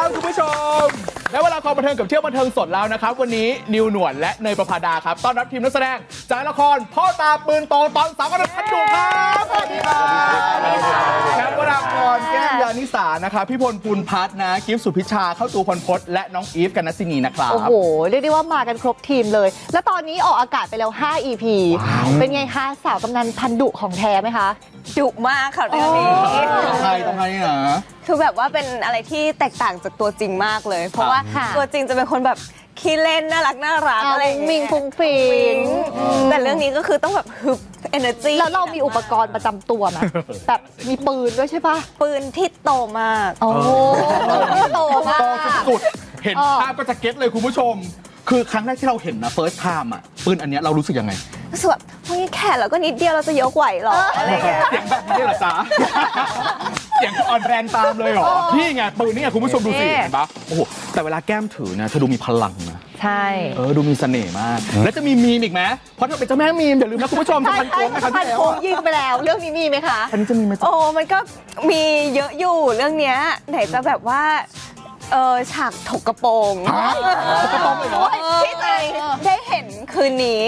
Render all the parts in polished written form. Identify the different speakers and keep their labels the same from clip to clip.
Speaker 1: ครับคุณผู้ชมและเวลาความบันเทิงกับเที่ยวบันเทิงสดแล้วนะครับวันนี้นิวหนวดและเนยประภาดาครับต้อนรับทีมนักแสดงจากละครพ่อตาปืนโตตอนสาวกระพันดุครับสวัสดีครับแคปวรากรแก้มยานิสานะครับพี่พลภูลพัฒน์นะกิฟต์สุพิชาเข้าตูพลพจน์และน้องอีฟกันนัสซินีนะครับ
Speaker 2: โอ้โหเรียกได้ว่ามากันครบทีมเลย แล้วตอนนี้ออกอากาศไปแล้ว 5 EP เป็นไงคะสาวกำนันพันดุของแท้ไหมคะ
Speaker 3: ดุมากค่ะเรื่องนี้
Speaker 1: ต้องไงนะ
Speaker 3: คือแบบว่าเป็นอะไรที่แตกต่างจากตัวจริงมากเลย เพราะว่า
Speaker 2: ค่ะ
Speaker 3: ตัวจริงจะเป็นคนแบบขี้เล่นน่ารักอะไรอย่าง
Speaker 2: มิ
Speaker 3: เงี้
Speaker 2: ง
Speaker 3: ย
Speaker 2: ฟุงฟิง
Speaker 3: แต่เรื่องนี้ก็คือต้องแบบฮึบ energy
Speaker 2: แล้วเรามีอุปกรณ์ประจำตัวไหมแบบมีปืนด้วยใช่ปะ
Speaker 3: ปืนที่โตมาก
Speaker 2: โอ้โหโตมาก
Speaker 1: โตสุดๆเห็นภาพก็จะเก็ตเลยคุณผู้ชม คือครั้งแรกที่เราเห็นนะ first time อ่ะปืนอันเนี้ยเรารู้สึกยังไง
Speaker 3: รู้สึกแบบเฮ้ยแค่เราก็นิดเดียวเราจะยกไหวหรออะไรอย่างเงี้ย
Speaker 1: เสียงแบบนี้เหรอจ๊ะ เสียงอ่อนแรงตามเลยเหรอ นี่ไงปืนนี่ไงคุณผู้ชมดูสิเห็นปะโอ้โหแต่เวลาแก้มถือเนี่ยเธอดูมีพลังนะ
Speaker 2: ใช่
Speaker 1: ดูมีเสน่ห์มาก แล้วจะมีมีมอีกไหมเพราะเธอเป็นเจ้าแม่มีมอย่าลืมนะคุณผู้ชมจะพันโค้งนะครับ
Speaker 2: พัน
Speaker 1: ที่แล้ว
Speaker 2: โค้ง
Speaker 1: อะ
Speaker 2: ยิงไปแล้ว เรื่องนี้มีไหมคะ
Speaker 1: อันนี้จะมีไหมจ๊ะ
Speaker 3: โอ้มันก็มีเยอะอยู่เรื่องเนี้ยไหนจะแบบว่าฉากถกกระโปรง
Speaker 1: ฮะถกกระโปรงเลยเหรอ
Speaker 3: ที่จะได้เห็นคืนนี้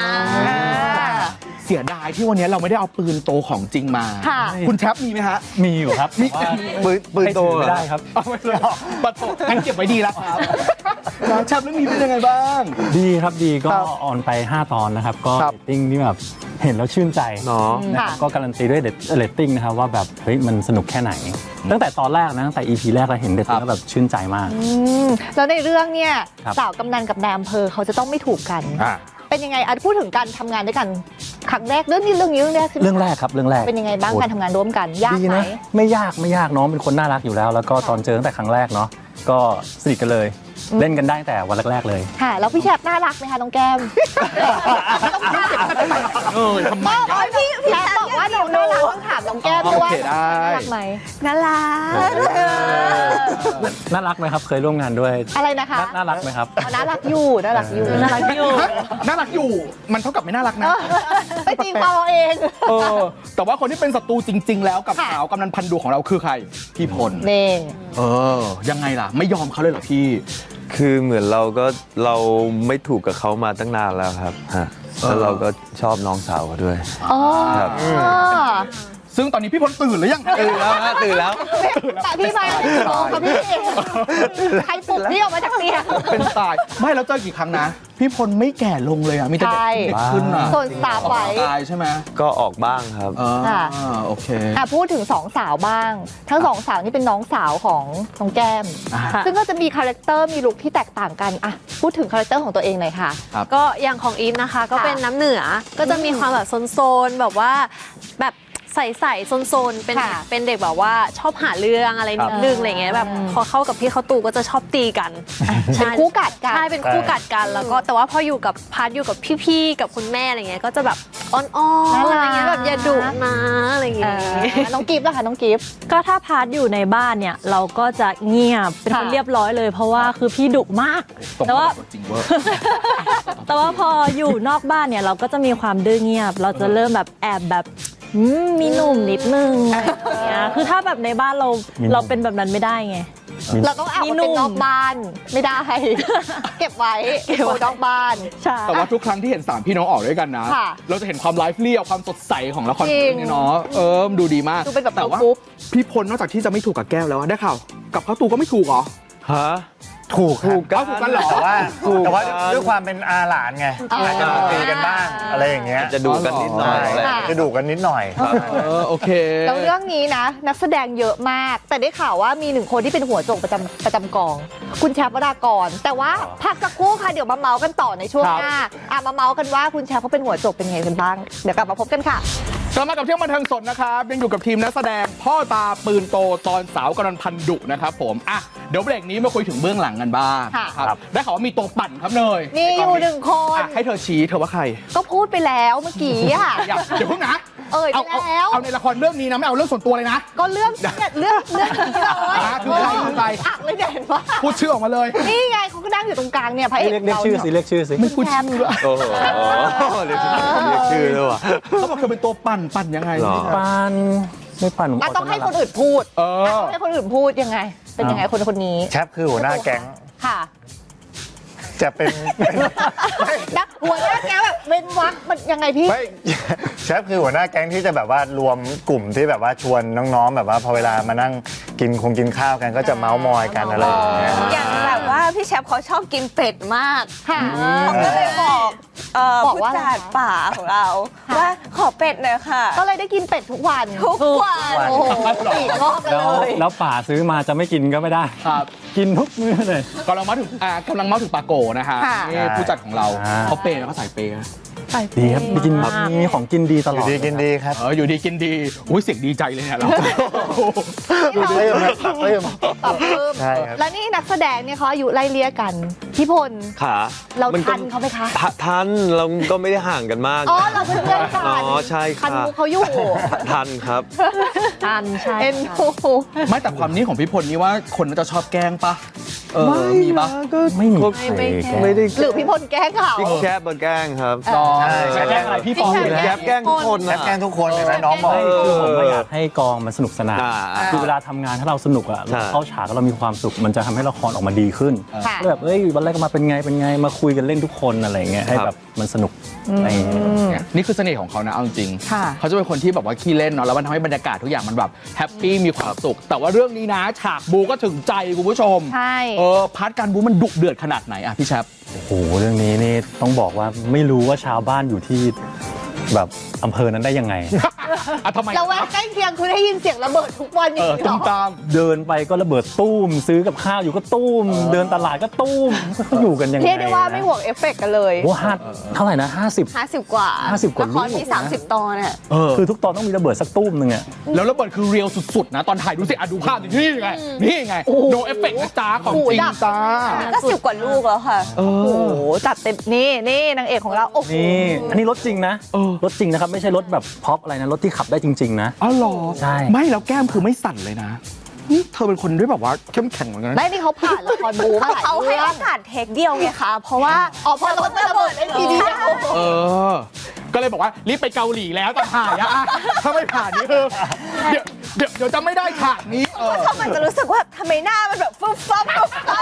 Speaker 1: เสียดายที่วันนี้เราไม่ได้เอาปืนโตของจริงมา
Speaker 2: ค่ะ
Speaker 1: คุณแชปมีไหมฮะ
Speaker 4: มีอยู่ครับ
Speaker 1: มี
Speaker 4: แต่ว่า
Speaker 1: ปืนโต
Speaker 4: ให้ถือไม่ได้ครับ
Speaker 1: เอาไม่เลยปัดโตงั้นเก็บไว้ดีแล้วครับแล้วแชปเรื่องนี้เป็นยังไงบ้าง
Speaker 4: ดีครับดีก็
Speaker 1: ครับ
Speaker 4: ออนไป 5 ตอนนะครับ ก็
Speaker 1: ครับ
Speaker 4: เรตติ้งที่แบบเห็นแล้วชื่นใจ
Speaker 1: เนาะ
Speaker 4: นะครับ
Speaker 2: ค่ะ
Speaker 4: ก็การันตีด้วยเรตติ้งนะครับว่าแบบเฮ้ยมันสนุกแค่ไหน ตั้งแต่ตอนแรกนะตั้งแต่ EP แรกเราเห็นเรตติ้งแล้วแบบชื่นใจมาก
Speaker 2: แล้วในเรื่องเนี่ย
Speaker 4: ครับ
Speaker 2: สาวกำนันกับนายอำเภอเขาจะต้องไม่ถูกกัน เป็นยังไงพูดถึงการทำงานด้วยกันครั้งแรกเรื่องแรกใช่ไหม
Speaker 4: เรื่องแรกครับเรื่องแรก
Speaker 2: เป็นยังไงบ้าง
Speaker 4: โอ้
Speaker 2: การทำงานร่วมกันยาก
Speaker 4: ดี
Speaker 2: ไหม
Speaker 4: นะไม่ยากน้องเป็นคนน่ารักอยู่แล้ว แล้วก็ตอนเจอตั้งแต่ครั้งแรกเนาะก็สนิทกันเลย เล่นกันได้ตั้งแต่วันแรกๆเลย
Speaker 2: ค่ะแล้วพี่แชปน่ารักไหมคะน้องแก้ม
Speaker 1: ทำไม
Speaker 2: พี่แชปบอกว่าหนูน่ารักต้องถามน้องแก้มด้วยว่า
Speaker 1: โอเคได้
Speaker 2: น่ารักไหม
Speaker 3: น่ารัก
Speaker 4: น่ารักไหมครับเคยร่วมงานด้วย
Speaker 2: อะไรนะคะ
Speaker 4: น่ารักไหมครับ
Speaker 2: น่ารักอยู่น่ารักอยู่
Speaker 1: น่ารักอยู่มันเท่ากับไม่น่ารักนะ
Speaker 2: ไปตีความเอาเอง
Speaker 1: แต่ว่าคนที่เป็นศัตรูจริง ๆ แล้วกับ
Speaker 2: ค่ะ
Speaker 1: สาวกำนันพันดูของเราคือใครพี่พล
Speaker 2: นี่
Speaker 1: ยังไงล่ะ ไม่ยอมเขาเลยเหรอพี่
Speaker 5: คือเหมือนเราไม่ถูกกับเขามาตั้งนานแล้วครับฮะแล้วเราก็ชอบน้องสาวเขาด้วย
Speaker 2: อ๋อ
Speaker 5: ครับ
Speaker 1: ซึ่งตอนนี้พี่พลตื่นหรือยัง
Speaker 5: ตื่นแล้วฮะตื่นแล้ว
Speaker 2: แต่พี่มากี่โมงคะพี่ใครปลุกพี่ออกมาจากเตียง
Speaker 1: เป็นตายไม่แล้วเจอกี่ครั้งนะ พี่พลไม่แก่ลงเลยอ่ะมีแต่เด็ก
Speaker 2: ใช่
Speaker 1: เด็กขึ้นอ่ะ
Speaker 2: โซนสตาร์ไว้
Speaker 1: ตายใช่ไหม
Speaker 5: ก็ออกบ้างครับ
Speaker 2: ค่ะ
Speaker 1: โอเค
Speaker 2: พูดถึงสองสาวบ้าง ทั้งสองสาวนี่เป็นน้องสาวของน้องแก้ม
Speaker 1: อ่า
Speaker 2: ซึ่งก็จะมีคาแรคเตอร์มีลุคที่แตกต่างกันพูดถึงคาแรคเตอร์ของตัวเองหน่อยค่ะ
Speaker 6: ก็อย่างของอีฟนะคะก็เป็นน้ำเหนือก็จะมีความแบบโซนๆแบบว่าแบบใส่โซนๆเป็น
Speaker 2: ค่ะ
Speaker 6: เป็นเด็กแบบว่าชอบหาเรื่องอะไรนิดนึงอะไรเงี้ยแบบพอเข้ากับพี่เขาตูก็จะชอบตีกัน
Speaker 2: เป็นคู่กัดกัน
Speaker 6: ใช่เป็นคู่กัดกันแล้วก็แต่ว่าพออยู่กับพาร์ทอยู่กับพี่ๆกับคุณแม่อะไรเงี้ยก็จะแบบอ่อนๆอะไรเงี้ยแบบอย่าดุนะอะไรเงี้ย
Speaker 2: น้องกิฟต์ล่ะคะน้องกิฟต์
Speaker 7: ก็ถ้าพาร์ทอยู่ในบ้านเนี่ยเราก็จะเงียบเป็นคน
Speaker 2: ค่ะ
Speaker 7: เรียบร้อยเลย เพราะว่าคือพี่ดุมาก
Speaker 1: ตรง
Speaker 7: แต่ว่า
Speaker 1: กับจริงเวอร์
Speaker 7: แต่ว่าพออยู่นอกบ้านเนี่ยเราก็จะมีความดื้อเงียบ เราจะเริ่มแบบแอบแบบมีหนุ่มนิดนึงอะไรอย่างเงี้ยคือถ้าแบบในบ้านเราเป็นแบบนั้นไม่ได้ไง
Speaker 2: เราต้องเอามาเป็นนอกบ้านไม่ได้ เก็บไว้โชว์นอกบ้าน
Speaker 7: ใช่
Speaker 1: แต่ว่าทุกครั้งที่เห็น3พี่น้องออกด้วยกันนะ
Speaker 2: ค่ะ
Speaker 1: เราจะเห็นความไลฟ์เรียความสดใสของละคร
Speaker 2: จริง
Speaker 1: เรื่องนี้เนาะดูดีมาก
Speaker 2: ดูเป็นแบบ
Speaker 1: แต่ว่า
Speaker 2: ปุ๊บ
Speaker 1: พี่พลนอกจากที่จะไม่ถูกกับแก้วแล้วอะได้ข่าวกับเขาตูก็ไม่ถูกเหรอ
Speaker 5: ฮะ
Speaker 8: ถูก
Speaker 1: ถูกกันเหรอ
Speaker 8: แต่ว่า
Speaker 5: ถูก
Speaker 8: ด้วยความเป็นอาหลานไงอาจจะมาตีกันบ้างอะไรอย่างเงี้ย
Speaker 5: จะดูกันนิดหน่อย
Speaker 8: ใช่จะดุกันนิดหน่อย
Speaker 1: โอเค
Speaker 2: แล้วเรื่องนี้นะ นักแสดงเยอะมาก แต่ได้ข่าวว่ามีหนึ่งคนที่เป็นหัวโจกประจำกอง คุณแชมป์วรากร แต่ว่าพักสักครู่ค่ะเดี๋ยวมาเมาส์กันต่อในช่วงหน้ามาเมาส์กันว่าคุณแชมป์เขาเป็นหัวโจกเป็นไงกันบ้าง เดี๋ยวกลับมาพบกันค่ะ
Speaker 1: กลับมากับเที่ยวบันเทิงสดนะครับยังอยู่กับทีมนักแสดงพ่อตาปืนโตตอนสาวกำนันพันดุนะครับผมเดี๋ยวเบรกนี้มาคุยถึงเบื้องหลังกันบ้าง
Speaker 2: ค่ะ
Speaker 1: ครับได้ข่าวว่ามีตัวปั่นครับเนย
Speaker 2: มีอยู่หนึ่งคน
Speaker 1: ให้เธอชี้เธอว่าใคร
Speaker 2: ก็พูดไปแล้วเมื่อกี้อะ
Speaker 1: เดี๋ยวเพิ่งนะ
Speaker 2: ไปแล้ว
Speaker 1: เอาในละครเรื่องนี้นะไม่เอาเรื่องส่วนตัวเลยนะ
Speaker 2: ก็เรื่องนี้เลย
Speaker 1: คือใครคือใคร
Speaker 2: อักเลยเนี่ยเห็นปะ
Speaker 1: พูดชื่อออกมาเลย
Speaker 2: นี่ไงเขาก็นั่งอยู่ตรงกลางเนี่ยพระเอก
Speaker 4: เรียก
Speaker 2: เรา
Speaker 4: ชื่อสิเรียกชื่อสิ
Speaker 1: ไม่พูดชื่อด้วย
Speaker 5: โอ้โหเรียกชื่อด้วยว่ะ
Speaker 1: เขาบอกเธอเป็นตัวปั่นยังไง
Speaker 5: หรอ
Speaker 4: ปานไม่ปั่นผม
Speaker 2: ต้องให้คนอื่นพูด
Speaker 1: เออ
Speaker 2: ต้องให้คนอื่นพูดยังไงเป็นยังไงคนนี้
Speaker 8: แชปคือหัวหน้าแก๊ง
Speaker 2: ค่ะ
Speaker 8: จะเป็น
Speaker 2: นักหัวหน้าแกแบบเว้นวักมันยังไงพี่
Speaker 8: ไม่ แชปคือหัวหน้าแก๊งที่จะแบบว่ารวมกลุ่มที่แบบว่าชวนน้องๆแบบว่าพอเวลามานั่งกินข้าวกันก็จะเมาส์มอยกันอะไรอย่างเงี้ย
Speaker 3: อย่างแบบว่าพี่แชมป์เขาชอบกินเป็ดมาก
Speaker 2: ค่ะ
Speaker 3: เขาก็เลยบอก
Speaker 2: บอก
Speaker 3: ผู้
Speaker 2: ว่าอะไร
Speaker 3: จัด
Speaker 2: คะ
Speaker 3: ป่าของเรา ว่าขอเป็ดหน่อยค่ะ
Speaker 2: ก็เลยได้กินเป็ดทุกวัน
Speaker 3: ทุกวัน
Speaker 2: โอ้โหปีกงอกกัน
Speaker 4: แล้ว
Speaker 2: เลย
Speaker 4: แล้วป่าซื้อมาจะไม่กินก็ไม่ได้
Speaker 1: ครับ
Speaker 4: กินทุกมื้อเลย
Speaker 1: กำลังมาถึงปาโกนะฮะ
Speaker 2: ค่ะ
Speaker 1: นี่ผู้จัดของเรา
Speaker 4: อ่า
Speaker 1: เขาเปย์แล้วก็ใส่เปย์นะ
Speaker 4: ดีครับมีกินมีของกินดีต
Speaker 8: อ
Speaker 4: ลอยู่ ด
Speaker 8: ดีกินดีครับ
Speaker 1: อยู่ดีกินดีอุ้ยเสียงดีใจเลยเนี่ยเรา
Speaker 8: ปรับเพิ่ม
Speaker 2: ปรับเพิ่ม
Speaker 8: ใช่ครับ
Speaker 2: แล้วนี่นักแสดงเนี่ยเขาอายุไล่เลี่ยกันพี่พล
Speaker 5: ขา
Speaker 2: เรา
Speaker 5: มันก็
Speaker 2: ทันเขาไหมคะ
Speaker 5: ทันเราก็ไม่ได้ห่างกันมาก
Speaker 2: อ๋อเราเป็นเพื่อนกัน
Speaker 5: อ๋อใช่
Speaker 2: ทั
Speaker 5: ค่ะ
Speaker 2: นมุกเขาอยู่
Speaker 5: ทันครับ
Speaker 7: ทันใช่
Speaker 2: เอ็นดู
Speaker 1: ไม่แต่ความนี้ของพี่พลนี่ว่าคนน่าจะชอบแกล้งปะมีปะ
Speaker 4: ไม่มี
Speaker 6: ไม่แกล้ง
Speaker 5: ไม่ได้
Speaker 2: หรือพี่พลแกล้งเขา
Speaker 5: พี่แคบมาแกล้งครับ
Speaker 1: น้อง
Speaker 8: ใช่
Speaker 1: แกล้งอะไรพี่ฟองอยู่
Speaker 5: แค
Speaker 1: แล้ว
Speaker 5: บแกล้งทุกคน
Speaker 8: แช
Speaker 5: นะ
Speaker 8: ปแกล้งทุกคนเห็นไหมน้องบอก
Speaker 4: ไม่คือผมไม่อยากให้กองมันสนุกสนาน คือเวลาทำงานถ้าเราสนุกอะ
Speaker 5: ใช่
Speaker 4: เราเข้าฉากแล้วเรามีความสุขมันจะทำให้ละครออกมาดีขึ้น
Speaker 2: ค่ะ
Speaker 4: ก็แบบเอ้ยวันแรกก็มาเป็นไงมาคุยกันเล่นทุกคนอะไรอย่างเงี้ยให้แบบมันสนุกอะไรอย่างเงี้ย
Speaker 1: นี่คือเสน่ห์ของเขานะเอาจริงๆ
Speaker 2: ค่ะ
Speaker 1: เขาจะเป็นคนที่แบบว่าขี้เล่นเนาะแล้วมันทำให้บรรยากาศทุกอย่างมันแบบแฮปปี้มีความสุข แต่ว่าเรื่องนี้นะฉากบูก็ถึงใจคุณผู้ชม
Speaker 2: ใช่
Speaker 1: พาร์ทการบูมันดุเดือดขนาดไหนอะพี่แชป
Speaker 4: โอ้โหเรื่องนี้นี่ต้องบอกว่าไม่รู้ว่าชาวบ้านอยู่ที่แบบอำเภอนั้นได้ยังไง
Speaker 1: อ่ะทำไม
Speaker 2: เราแวะใกล้เคียงคุณได้ยินเสียงระเบิดทุกวันอย่างนี้เหร
Speaker 1: ตุ้ม
Speaker 2: อ
Speaker 1: ตาม
Speaker 4: เดินไปก็ระเบิดตู้มซื้อกับข้าวอยู่ก็ตู้มเดินตลาดก็ตู้มเขาอยู่กันยังไง
Speaker 2: เรียกได้ว่าไม่ห่วงเอฟเฟกต์กันเลย
Speaker 4: โอ้ห้าเท่าไหร่นะ50
Speaker 3: 50 กว่า
Speaker 4: 50 กว่า
Speaker 3: ละคร
Speaker 4: ลูก
Speaker 3: มี 30 ตอนอ่ะ
Speaker 4: คือทุกตอนต้องมีระเบิดสักตู้มหนึ่งอะ
Speaker 1: แล้วระเบิดคือเรียลสุดๆนะตอนถ่ายดูสิดูภาพดินี่ไงนี่ไงโนเอฟเฟกต์นะจ้าของจริงจ้า
Speaker 3: ก็ 10 กว่าลูกแล้วค่ะ
Speaker 2: โอ้โหจัดเต็มนี่นางเอกของเราโอ้โห
Speaker 4: นี่อันนี้รถจริงนะรถจริงนะครับไม่ใช่รถแบบพ็อปอะไรนะรถที่ขับได้จริงๆนะ
Speaker 1: อ๋อเหรอ
Speaker 4: ใช่
Speaker 1: ไม่แล้วแก้มคือไม่สั่นเลยนะนี่เธอเป็นคนด้วยแบบว่าเข้มแข็งเหมือนกันนะ
Speaker 2: ไม่นี่เขาผ่านละครบูมาหลาย
Speaker 3: เขาให้
Speaker 2: เรื่อ
Speaker 3: โอง กาสเทคเดียวไงคะ เพราะว่า
Speaker 2: อ๋อพอรถมันระเบิดได้ทีเดียว
Speaker 1: ก็เลยบอกว่ารีบไปเกาหลีแล้วแต่ถ่ายอะถ้าไม่ผ่านนี่คือเดี๋ยวจะไม่ได้ฉากนี้
Speaker 3: ถ้ามันจะรู้สึกว่าทำไมหน้ามันแบบฟึบฟับฟึบฟับ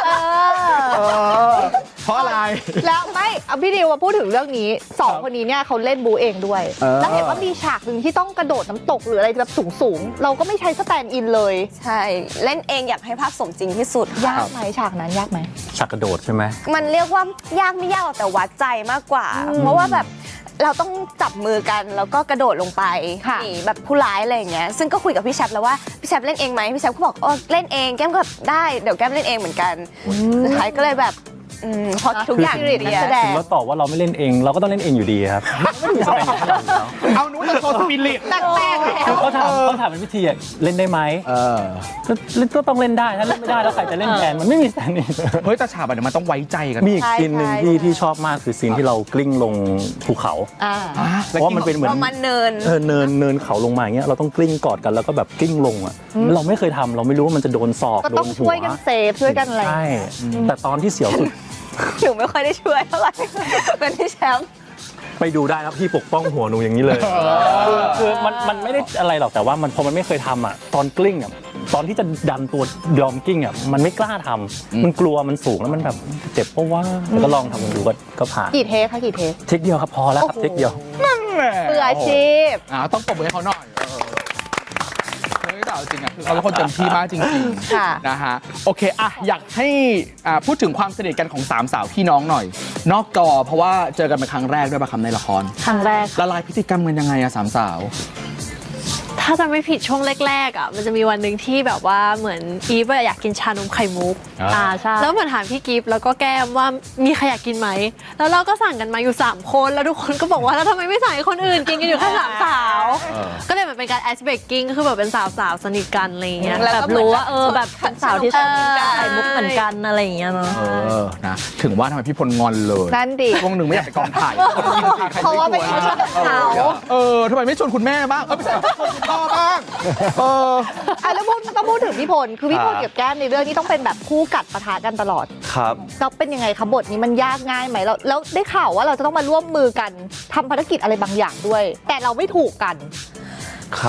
Speaker 1: เพราะอะไร
Speaker 2: แล้วไม่เอาพี่ดิวมาพูดถึงเรื่องนี้สองคนนี้เนี่ยเขาเล่นบูเองด้วย แล้วเห็นว่ามีฉากหนึ่งที่ต้องกระโดดน้ำตกหรืออะไรแบบสูงๆเราก็ไม่ใช้สแตนด์อินเลย
Speaker 3: ใช่ เล่นเองอยากให้ภาพสมจริงที่สุด
Speaker 2: ยากไหมฉากนั้นยากไหม
Speaker 4: ฉากกระโดดใช่ไหม
Speaker 3: มันเรียกว่ายากไม่ยากหรอกแต่วัดใจมากกว่า เพราะว่าแบบเราต้องจับมือกันแล้วก็กระโดดลงไป
Speaker 2: ค่ะ
Speaker 3: หนีแบบผู้ร้ายอะไรอย่างเงี้ยซึ่งก็คุยกับพี่แชปแล้วว่าพี่แชปเล่นเองไหมพี่แชปก็บอกเล่นเองแก้มก็แบบได้เดี๋ยวแก้มเล่นเองเหมือนกันสุดท้ายก็เลยแบบพอทุกอย่าง
Speaker 2: คือ
Speaker 3: เคลียร์
Speaker 2: นักแสดง
Speaker 4: ถึงเราตอบว่าเราไม่เล่นเองเราก็ต้องเล่นเองอยู่ดีครับไม่มีสแตนด์อินอยู่แล้ว
Speaker 1: เอาหนูจะโชว์สปิริต
Speaker 2: แปลกๆแล้ว
Speaker 4: คือเขาถามเป็นวิธีอะเล่นได้ไหมก็ต้องเล่นได้ถ้าเล่นไม่ได้แล้วใครจะเล่นแทนมันไม่มีสแตนด์อิน
Speaker 1: เฮ้ยแต่ฉากแบบนี้มันต้องไว้ใจกัน
Speaker 4: มีอีกซีนหนึ่งที่ชอบมากคือซีนที่เรากลิ้งลงภูเขา เพราะว่ามันเป็นเหมือน
Speaker 3: ประมาณเนิน
Speaker 4: เนินเขาลงมาอย่างเงี้ยเราต้องกลิ้งกอดกันแล้วก็แบบกลิ้งลงอ่ะเราไม่เคยทำเราไม่รู้ว่ามันจะโดนศอก
Speaker 2: ก็
Speaker 4: โด
Speaker 2: ต้อง
Speaker 4: นหั
Speaker 2: ช่วยกันเซฟช่วยกันอะไร
Speaker 4: ใช่แต่ตอนที่เสียวสุด
Speaker 3: หนูไม่ค่อยได้ช่วยเท่าไหร่ เป็นพี่แชมป์
Speaker 4: ไปดูได้ครับพี่ปกป้องหัวหนูอย่างนี้เลยคือมันไม่ได้อะไรหรอกแต่ว่ามันพอมันไม่เคยทำอ่ะตอนกลิ้งอ่ะตอนที่จะดันตัวยอมกลิ้งอ่ะมันไม่กล้าทำมันกลัวมันสูงแล้วมันแบบเจ็บเพราะว่าแต่ก็ลองทำกันดูก็ผ่าน
Speaker 2: กี่เทคคะกี่เทค
Speaker 4: เทคเดียวครับพอแล้วครับเทคเดียว
Speaker 2: มืออาชีพ
Speaker 1: ต้องปรบมือให้เขาหน่อยเฮ้ยแต่เอาจริงอ่ะคือเขาเป็นคนเต็มที่มากจริง
Speaker 2: ค่ะ
Speaker 1: ๆนะฮะโอเคอ่ะอยากให้พูดถึงความสนิทกันของสามสาวพี่น้องหน่อย นอกจอเพราะว่าเจอกันเป็นครั้งแรกด้วยป่ะคำในละคร
Speaker 7: ครั้งแรก
Speaker 1: ละลายพฤติกรรมกันยังไงอะสามสาว
Speaker 6: ถ้าจะไม่ผิดช่วงแรกๆอ่ะมันจะมีวันหนึ่งที่แบบว่าเหมือนอีฟอยากกินชานมไข่มุก
Speaker 7: ใช่
Speaker 6: แล้วเหมือนถามพี่กิฟต์แล้วก็แก้มว่ามีใครอยากกินไหมแล้วเราก็สั่งกันมาอยู่3คนแล้วทุกคนก็บอกว่าแล้วทำไมไม่สั่งให้คนอื่นกินกันอยู่แค่3 สาวก็เลยเหมือนเป็นการไอซ์เบรกกิ้งก็คือแบบเป็นสาวๆสนิทกันอะไรอย่างเงี้ย
Speaker 3: แล้ว
Speaker 7: แบ
Speaker 3: ก็
Speaker 7: บรู้ว่าแบบเป็นสาวที่ชอบ
Speaker 3: เออ
Speaker 7: ไข่มุกเหมือนกันอะไรอย่างเงี้ยเนาะ
Speaker 1: นะถึงว่าทำไมพี่พลงอนเลย
Speaker 2: นั่นดิ
Speaker 1: ช่วงหนึ่งไม่อยากไปกองถ่าย
Speaker 2: เพราะว่าไปชวนเขา
Speaker 1: ทำไมไม่ชวนคุณแม่บ้างไม่ใช่ชวนคุณพ่อบ้าง
Speaker 2: แล้วต้องพูดถึงพี่พลคือพี่พลกับแก้มในเรื่องนี้ต้องเป็นแบบคู่กัดปะทะกันตลอด
Speaker 5: ครับ
Speaker 2: แล้วเป็นยังไงคะบทนี้มันยากง่ายไหมแล้วได้ข่าวว่าเราจะต้องมาร่วมมือกันทำภารกิจอะไรบางอย่างด้วย แต่เราไม่ถูกกัน
Speaker 5: ครับ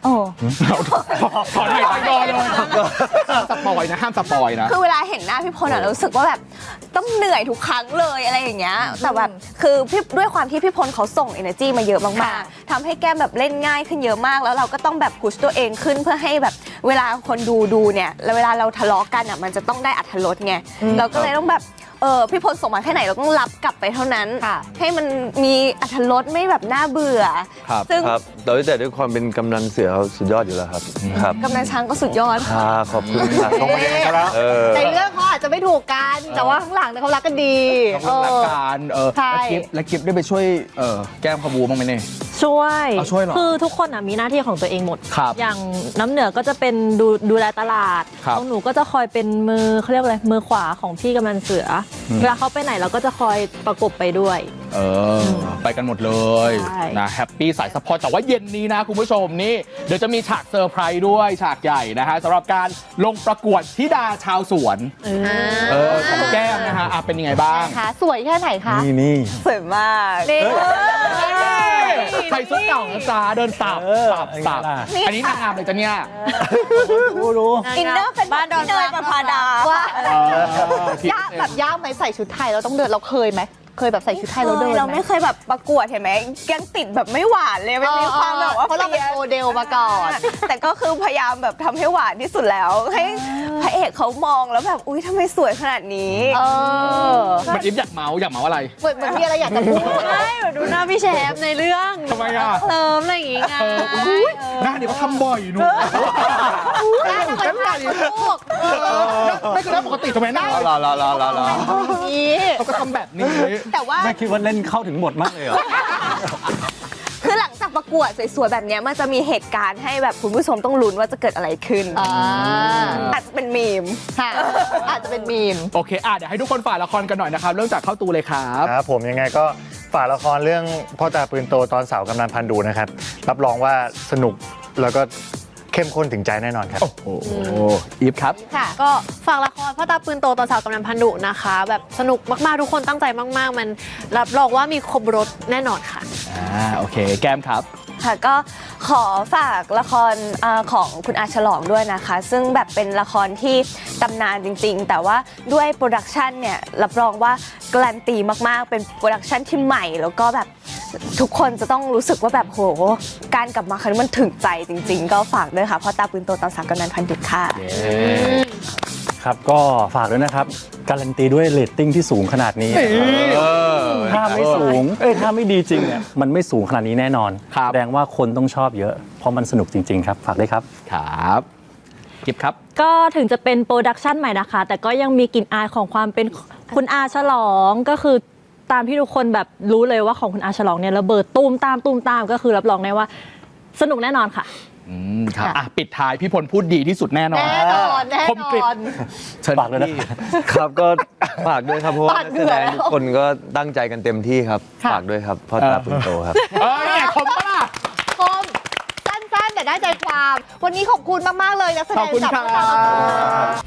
Speaker 2: โอ้
Speaker 1: ถอนหายใจรอเลยห้ามสปอยนะห้ามสปอยนะ
Speaker 3: คือเวลาเห็นหน้าพี่พลอะเรารู้สึกว่าแบบต้องเหนื่อยทุกครั้งเลยอะไรอย่างเงี้ยแต่แบบคือพี่ด้วยความที่พี่พลเขาส่ง energy มาเยอะมากๆทำให้แก้มแบบเล่นง่ายขึ้นเยอะมากแล้วเราก็ต้องแบบพุชตัวเองขึ้นเพื่อให้แบบเวลาคนดูเนี่ยแล้วเวลาเราทะเลาะกันอ่ะมันจะต้องได้อรรถรสไงเราก็เลยต้องแบบพี่พลส่งมาแค่ไหนเราต้องรับกลับไปเท่านั้นให้มันมีอรรถรสไม่แบบน่าเบื่อ
Speaker 5: ครับ
Speaker 3: ซึ่ง
Speaker 5: ครับแต่ด้วยความเป็นกำนันเสือเขาสุดยอดอยู่แล้วครับครับ
Speaker 3: กำนันช้างก็สุดยอด
Speaker 5: ขอบคุณครับ
Speaker 8: ตรงประเด็นกันแล้ว
Speaker 2: ในเรื่องเขาอาจจะไม่ถูกกันแต่ว่าข้างหลังเนี่ยเขารักกันดี
Speaker 1: ต้องรักการ
Speaker 2: ใช่
Speaker 1: และกิฟได้ไปช่วยแก้มขบูบ้างไหมเนี่ย
Speaker 7: ช่วย
Speaker 1: เอาช่วยเหรอ
Speaker 7: คือทุกคนมีหน้าที่ของตัวเองหมด
Speaker 1: ครับ
Speaker 7: อย่างน้ำเหนือก็จะเป็นดูแลตลาด
Speaker 1: ครับ
Speaker 7: ของหนูก็จะคอยเป็นมือเขาเรียกอะไรมือขวาของพี่กำนันเสือเวลาเขาไปไหนเราก็จะคอยประกบไปด้วย
Speaker 1: ไปกันหมดเลย
Speaker 7: ใช่
Speaker 1: นะแฮปปี้สายซัพพอร์ตแต่ว่าเย็นนี้นะคุณผู้ชมนี่เดี๋ยวจะมีฉากเซอร์ไพรส์ด้วยฉากใหญ่นะฮะสำหรับการลงประกวดธิดาชาวสวนของแก้มนะฮะเป็นยังไงบ้าง
Speaker 2: ค่ะสวยแค่ไหนคะ
Speaker 4: นี่
Speaker 3: สวยมาก
Speaker 1: ใส่ชุดเก่านะจ๊ะเดินสับสับอันนี้นางงามเลยจ้ะเนี่ย
Speaker 4: รู้
Speaker 3: อินเนอร์เป็นบ้านดอนเนยประภาดา
Speaker 2: ว่า ยากแบบยากไหมใส่ชุดไทยเราต้องเดินเราเคยไหมเคยแบบใส่ชุดไทยเราเดิน
Speaker 3: เรา
Speaker 2: ไหม
Speaker 3: ไม่เคยแบบประกวดเห็นไหมยังติดแบบไม่หวานเลยมันมีความแบบว่า
Speaker 2: เพราะเราเป็นโมเดลมาก่อน
Speaker 3: แต่ก็คือพยายามแบบทำให้หวานที่สุดแล้ว ให้พระเอกเขามองแล้วแบบอุ้ยทำไมสวยขนาดนี้
Speaker 1: มันอิฟอยากเมาอะไร
Speaker 2: เหมือนมีอะไรอยากจะพูด
Speaker 6: ใช่แบบดูหน้าพี่แชมป์ในเรื่อง
Speaker 1: ทำไมอ่ะ
Speaker 6: เติมอะไรอย่างงี้ไง
Speaker 1: หน้านี่เขาทำบ่อยหนูเต้นอะไรไม่คือหน้าปกติทำไมหน้าร
Speaker 5: อ
Speaker 1: เขาก็ทำแบบนี้
Speaker 3: แต่ว่า
Speaker 4: ไม่คิดว่าเล่นเข้าถึงบทมากเลยเหรอ
Speaker 3: คือหลังจากประกวดสวยๆแบบเนี้ยมันจะมีเหตุการณ์ให้แบบคุณผู้ชมต้องลุ้นว่าจะเกิดอะไรขึ้นอาจจะเป็นมีม
Speaker 2: ค่ะอาจจะเป็นมีม
Speaker 1: โอเคเดี๋ยวให้ทุกคนฝ่ายละครกันหน่อยนะครับเริ่มจากเข้าตูเลยครับ
Speaker 8: ครับผมยังไงก็ฝากละครเรื่องพ่อตาปืนโตตอนเสาวกำนันพันดูนะครับรับรองว่าสนุกแล้วก็เข้มข้นถึงใจแน่นอนครับ
Speaker 1: โอ้โหอีฟครับ
Speaker 2: ค่ะ
Speaker 6: ก็ฝากละครพ่อตาปืนโตตอนสาวกำนันพันดุนะคะ แบบสนุกมากๆทุกคนตั้งใจมากๆ มันรับรองว่ามีครบรถแน่นอนค่ะ
Speaker 1: โอเคแก้มครับ
Speaker 3: ค่ะก็ขอฝากละครของคุณอาฉลองด้วยนะคะ ซึ่งแบบเป็นละครที่ตำนานจริงๆ แต่ว่าด้วยโปรดักชันเนี่ยรับรองว่าการันตีมากๆเป็นโปรดักชันที่ใหม่แล้วก็แบบทุกคนจะต้องรู้สึกว่าแบบโหการกลับมาครั้งนี้มันถึงใจจริงๆ ก็ฝากด้วยค่ะพ่อตาปืนโตตอนสาวกำนันพันดุค่ะ
Speaker 4: ครับก็ฝากด้วยนะครับการันตีด้วยเรตติ้งที่สูงขนาดนี้ถ้าไม่สูงถ้าไม่ดีจริงเนี่ยมันไม่สูงขนาดนี้แน่นอน
Speaker 1: ครับ
Speaker 4: แสดงว่าคนต้องชอบเยอะ เพราะมันสนุกจริง ๆ ครับ ฝากด้วยครับ
Speaker 1: ครับกิฟครับ
Speaker 7: ก็ถึงจะเป็นโปรดักชันใหม่นะคะ แต่ก็ยังมีกลิ่นอายของความเป็นคุณอาฉลองก็คือตามที่ทุกคนแบบรู้เลยว่าของคุณอาฉลองเนี่ยระเบิดตูมตามก็คือรับรองได้ว่าสนุกแน่นอนค่ะ
Speaker 1: ครับปิดท้ายพี่พลพูดดีที่สุดแน่นอน
Speaker 2: แน่นอน
Speaker 1: คมกริบ เชิญ
Speaker 4: ฝากด้วยนะ
Speaker 1: พี่
Speaker 5: ครับก็ฝากด้วยครับเพราะว่า
Speaker 2: ปาด
Speaker 5: นัก
Speaker 2: เหงื่
Speaker 5: แส
Speaker 2: อ
Speaker 5: ดงทุกคนก็ตั้งใจกันเต็มที่ครับ
Speaker 2: ค่ะ
Speaker 5: ฝากด้วยครับพ่อตาปืนโตครับ
Speaker 1: คมปะล่ะ
Speaker 2: คมสั้นๆแต่ได้ใจความ วันนี้ขอบคุณมากๆเลยนักแสด
Speaker 1: ขอบ
Speaker 2: ง
Speaker 1: คุณ
Speaker 2: จาก
Speaker 1: ครั
Speaker 2: พวกเรา
Speaker 1: บ